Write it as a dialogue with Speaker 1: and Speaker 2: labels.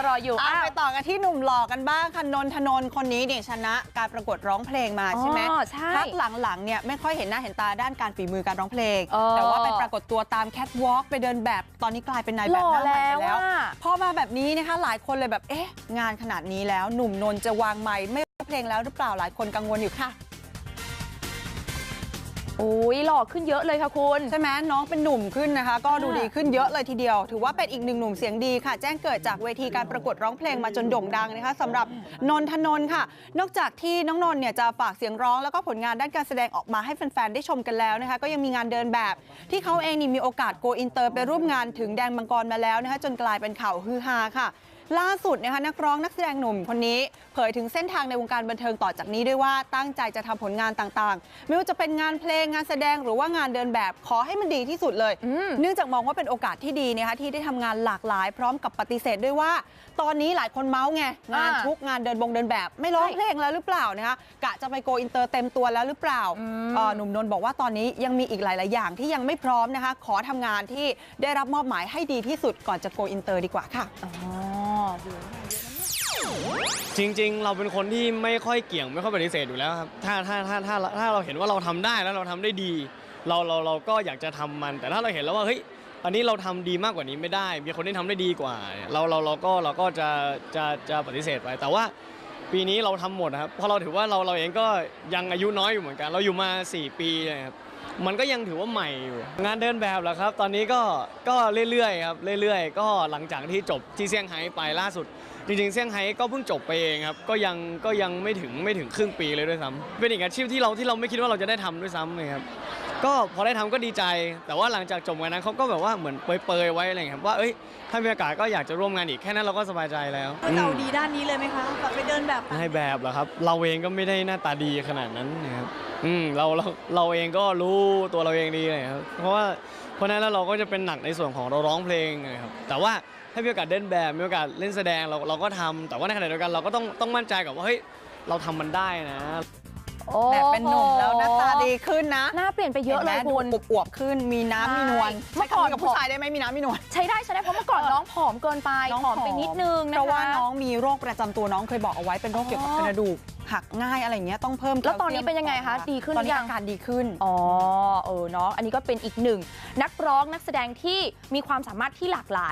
Speaker 1: รออยู่
Speaker 2: ไปต่อกันที่หนุ่มหล่อกันบ้างค่ะนนทนนท์คนนี้เนี่ยชนะการประกวดร้องเพลงมาใช่ไหมพักหลังๆเนี่ยไม่ค่อยเห็นหน้าเห็นตาด้านการฝีมือการร้องเพลงแต่ว่าไปปรากฏตัวตามแคทวอล์กไปเดินแบบตอนนี้กลายเป็นนายแบบหน้าใหม่ไปแล้วพอมาแบบนี้นะคะหลายคนเลยแบบงานขนาดนี้แล้วหนุ่มนนท์จะวางไมค์ไม่ร้องเพลงแล้วหรือเปล่าหลายคนกังวลอยู่ค่ะ
Speaker 1: โอ้ยหล่อขึ้นเยอะเลยค่ะคุณ
Speaker 2: ใช่ไหมน้องเป็นหนุ่มขึ้นนะคะก็ดูดีขึ้นเยอะเลยทีเดียวถือว่าเป็นอีกหนึ่งหนุ่มเสียงดีค่ะแจ้งเกิดจากเวทีการประกวดร้องเพลงมาจนโด่งดังนะคะสำหรับนนทนนท์ค่ะนอกจากที่น้องนนท์เนี่ยจะฝากเสียงร้องแล้วก็ผลงานด้านการแสดงออกมาให้แฟนๆได้ชมกันแล้วนะคะก็ยังมีงานเดินแบบที่เขาเองนี่มีโอกาสโกอินเตอร์ไปร่วมงานถึงแดนมังกรมาแล้วนะคะจนกลายเป็นข่าวฮือฮาค่ะล่าสุดนะคะนักร้องนักแสดงหนุ่มคนนี้เผยถึงเส้นทางในวงการบันเทิงต่อจากนี้ด้วยว่าตั้งใจจะทำผลงานต่างๆไม่ว่าจะเป็นงานเพลงงานแสดงหรือว่างานเดินแบบขอให้มันดีที่สุดเลยเนื่องจากมองว่าเป็นโอกาสที่ดีนะคะที่ได้ทำงานหลากหลายพร้อมกับปฏิเสธด้วยว่าตอนนี้หลายคนเมาส์ไงงานชุกงานเดินแบบไม่ร้องเพลงแล้วหรือเปล่านะคะกะจะไปโกอินเตอร์เต็มตัวแล้วหรือเปล่าหนุ่มนนท์บอกว่าตอนนี้ยังมีอีกหลายๆอย่างที่ยังไม่พร้อมนะคะขอทำงานที่ได้รับมอบหมายให้ดีที่สุดก่อนจะโกอินเตอร์ดีกว่าค่ะ
Speaker 3: จริงๆเราเป็นคนที่ไม่ค่อยเกี่ยงไม่ค่อยปฏิเสธอยู่แล้วครับถ้าเราเห็นว่าเราทำได้แล้วเราทำได้ดีเราก็อยากจะทำมันแต่ถ้าเราเห็นแล้วว่าเฮ้ยอันนี้เราทำดีมากกว่านี้ไม่ได้มีคนที่ทำได้ดีกว่าเราก็จะปฏิเสธไปแต่ว่าปีนี้เราทำหมดครับเพราะเราถือว่าเราเองก็ยังอายุน้อยอยู่เหมือนกันเราอยู่มา4 ปีนะครับมันก็ยังถือว่าใหม่อยู่งานเดินแบบเหรอครับตอนนี้ก็เรื่อยๆครับเรื่อยๆก็หลังจากที่จบที่เซี่ยงไฮ้ไปล่าสุดจริงๆเซี่ยงไฮ้ก็เพิ่งจบไปเองครับก็ยังไม่ถึงครึ่งปีเลยด้วยซ้ำเป็นอีกอาชีพที่เราไม่คิดว่าเราจะได้ทำด้วยซ้ำเลยครับก็พอได้ทำก็ดีใจแต่ว่าหลังจากจบงานนั้นเขาก็แบบว่าเหมือนเปรยๆไว้อะไรอย่างเงี้ยครับว่าถ้ามีโอกาสก็อยากจะร่วมงานอีกแค่นั้นเราก็สบายใจแล้ว
Speaker 4: เราดีด้านนี้เลยไหมคะแบบไปเดินแบบ
Speaker 3: ให้แบบเหรอครับเราเองก็ไม่ได้หน้าตาดีขนาดนั้นนะครับเราเองก็รู้ตัวเราเองดีเลยครับเพราะนั้นแล้วเราก็จะเป็นหนักในส่วนของเราร้องเพลงนะครับแต่ว่าถ้ามีโอกาสเดินแบบมีโอกาสเล่นแสดงเราก็ทำแต่ว่าในขณะเดียวกันเราก็ต้องมั่นใจกับว่าเฮ้ยเราทำมันได้นะ
Speaker 2: แบบเป็นหนุ่มแล้วหน้าตาดีขึ้นนะ
Speaker 1: หน้าเปลี่ยนไปเยอะเลยคุณ
Speaker 2: อวบขึ้นมีน้ำมีนวลเมื่อก่อนกับผู้ชายได้ไหมมีน้ำมีนวล
Speaker 1: ใช้ได้เพราะเมื่อก่อนน้องผอมเกินไปผอมไปนิดนึงนะคะ
Speaker 2: เพราะว่าน้องมีโรคประจำตัวน้องเคยบอกเอาไว้เป็นโรคเกี่ยวกับกระดูกหักง่ายอะไรเงี้ยต้องเพิ่ม
Speaker 1: แล้วตอนนี้เป็นยังไงคะดีขึ้นหรือยัง
Speaker 2: ตอนนี้อาการดีขึ้น
Speaker 1: เนาะอันนี้ก็เป็นอีกหนึ่งนักร้องนักแสดงที่มีความสามารถที่หลากหลาย